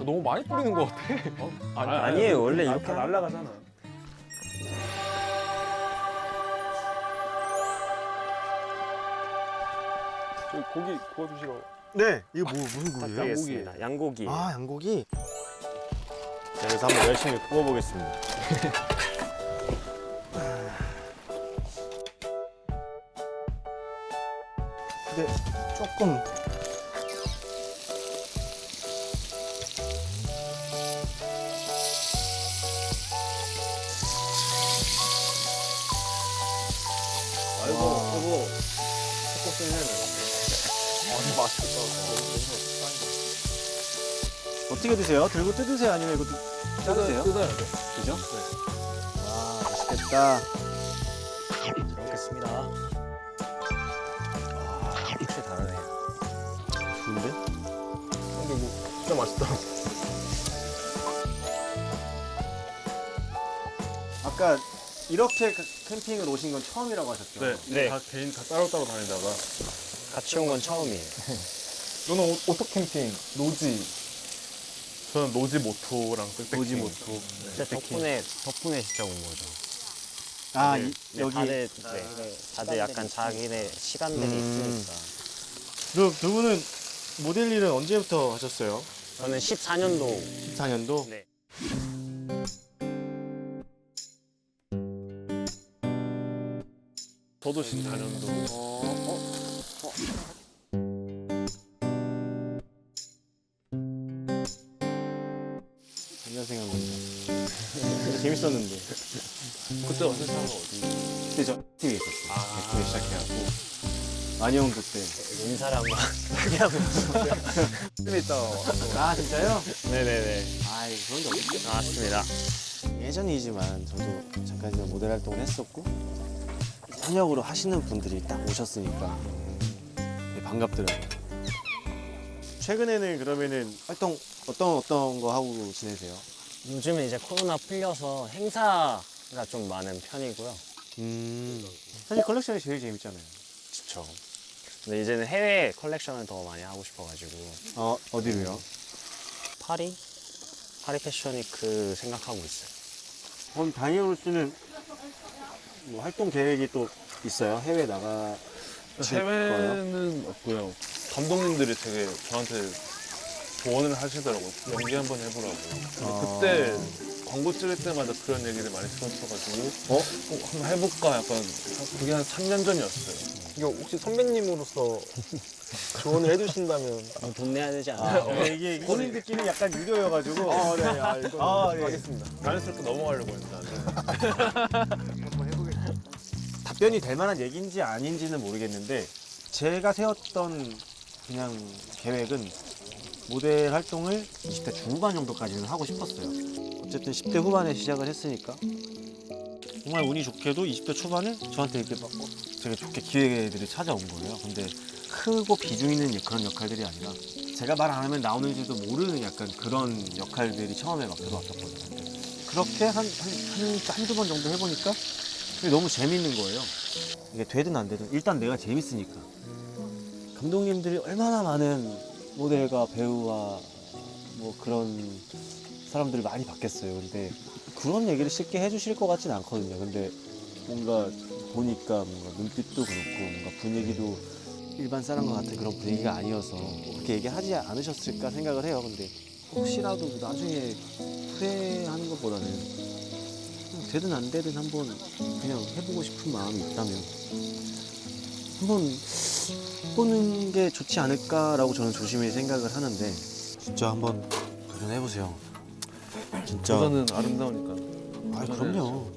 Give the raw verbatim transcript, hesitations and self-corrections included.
너무 많이 뿌리는 것 같아. 어? 아니, 아니에요. 원래 이렇게 다 날라가잖아. 저기 고기 구워주시러. 네, 이거 뭐 무슨 고기예요? 양고기입니다. 양고기. 아, 양고기. 자, 그래서 한번 열심히 구워보겠습니다. 근데 조금 아이고, 아이고. 조금 해야 되는데. 아니 맛있겠다. 어떻게 드세요? 들고 뜯으세요? 아니면 이거 자르세요? 뜯어야 돼. 그죠? 네. 와, 맛있겠다. 잘 먹겠습니다. 와, 확실히 다르네. 좋은데? 근데 뭐 진짜 맛있다. 아까 이렇게 캠핑을 오신 건 처음이라고 하셨죠? 네, 네. 다 개인 다 따로따로 다니다가 같이 온 건 처음이에요. 너는 오- 오토 캠핑, 노지. 저는 노지 모토랑 빽빽 노지 모토. 진짜 덕분에, 덕분에 진짜 온 거죠. 아, 다들, 이, 네, 여기. 다들, 네, 다들 약간 자기네 시간들이 음. 있으니까. 두, 두 분은 모델 일은 언제부터 하셨어요? 저는 십사 년도. 십사 년도? 네. 저도 십사 년도. 옛날 생각납니다. 진짜 재밌었는데. 그때 어땠어요? 어디? 그때 저 액티브에 있었어요. 아, 액티브에 시작해갖고. 만영도 때. 인사를 한번 크게 하고. 좀 있다. 아, 진짜요? 네네네. 아, 그런 게 없겠죠. 나왔습니다. 예전이지만 저도 잠깐 이제 모델 활동을 했었고 현역으로 하시는 분들이 딱 오셨으니까 되게 반갑더라고요. 최근에는 그러면은 활동 어떤 어떤 거 하고 지내세요? 요즘은 이제 코로나 풀려서 행사가 좀 많은 편이고요. 음, 사실 컬렉션이 제일 재밌잖아요. 그쵸. 근데 이제는 해외 컬렉션을 더 많이 하고 싶어가지고. 어, 어디로요? 파리? 파리 패션위크 생각하고 있어요. 그럼 다니엘 씨는 뭐 활동 계획이 또 있어요? 해외 나가 해외는 없고요. 감독님들이 되게 저한테 조언을 하시더라고요. 연기 한번 해보라고. 근데 아. 그때 광고 찍을 때마다 그런 얘기를 많이 들었어가지고 어? 어, 한번 해볼까 약간 그게 한 삼 년 전이었어요. 이거 혹시 선배님으로서 조언을 해주신다면. 어, 돈 내야 되지 아, 않아요? 어, 이게 본인들끼리 약간 유료여가지고. 아, 네, 아, 이거 아, 네. 하겠습니다. 자연스럽게 넘어가려고 했는데 답변이 될 만한 얘기인지 아닌지는 모르겠는데 제가 세웠던 그냥 계획은 모델 활동을 이십 대 중후반 정도까지는 하고 싶었어요. 어쨌든 십 대 후반에 시작을 했으니까 정말 운이 좋게도 이십 대 초반에 저한테 이렇게 막 어, 되게 좋게 기회들이 찾아온 거예요. 근데 크고 비중 있는 그런 역할들이 아니라 제가 말 안 하면 나오는지도 모르는 약간 그런 역할들이 처음에 막 들어왔었거든요. 근데 그렇게 한, 한, 한, 한두 번 정도 해보니까 그게 너무 재밌는 거예요. 이게 되든 안 되든 일단 내가 재밌으니까. 감독님들이 얼마나 많은 모델과 배우와 뭐 그런 사람들을 많이 봤겠어요. 근데 그런 얘기를 쉽게 해주실 것 같진 않거든요. 근데 뭔가 보니까 뭔가 눈빛도 그렇고 뭔가 분위기도 일반 사람과 같은 그런 분위기가 아니어서 그렇게 얘기하지 않으셨을까 생각을 해요. 근데 혹시라도 나중에 후회하는 것보다는 그냥 되든 안 되든 한번 그냥 해보고 싶은 마음이 있다면 한번 해보는 게 좋지 않을까라고 저는 조심히 생각을 하는데 진짜 한번 도전해보세요. 진짜. 도전은 아름다우니까. 아, 그럼요.